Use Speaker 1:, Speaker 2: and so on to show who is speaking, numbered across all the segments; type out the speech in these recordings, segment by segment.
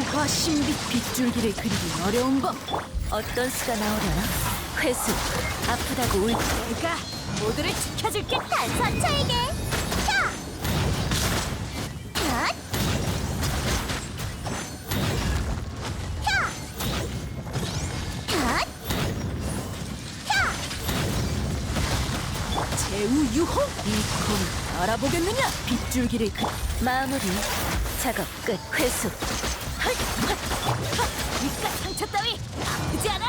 Speaker 1: 율화 신비 빗줄기를 그리기 어려운 법.
Speaker 2: 어떤 수가 나오려나? 회수, 아프다고 울.
Speaker 1: 내가 모두를 지켜줄게.
Speaker 3: 단선차에게 차! 샷! 차! 샷! 차!
Speaker 1: 제우 유호 이콤 알아보겠느냐? 빗줄기를
Speaker 2: 마무리. 작업 끝. 회수.
Speaker 1: 입가 상처 따위 아프지 않아.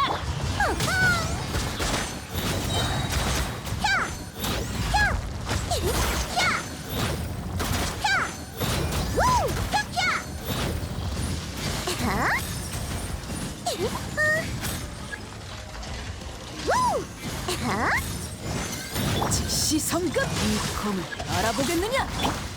Speaker 1: 즉시 성급 이콤을 알아보겠느냐?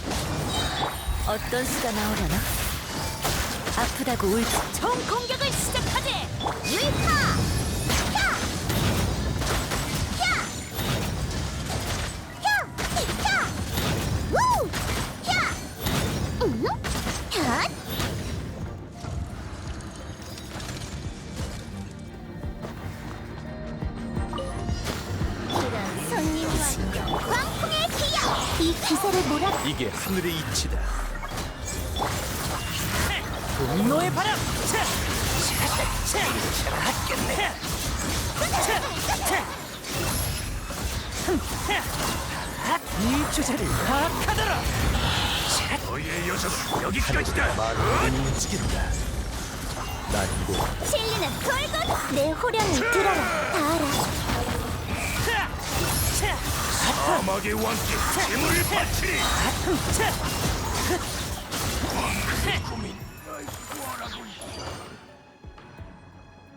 Speaker 2: 어떤 수가 나오려나? 아프다고 울.
Speaker 1: 총 공격을 시작하지.
Speaker 3: 유이카! 차! 차! 차! 차! 우! 차! 샷! 이런 손님과 광풍의 기억! 이 기세를 몰아
Speaker 4: 이게 하늘의 이치다.
Speaker 1: 분노의 바람. 이 주제를 파악하더라.
Speaker 4: 너희의 여정은 여기까지다. 말을 움직인다. 난 이곳
Speaker 3: 진리는 돌고 내 호령을 들어라 다 알아
Speaker 4: 사막의 왕께 힘을 바치리. 고민.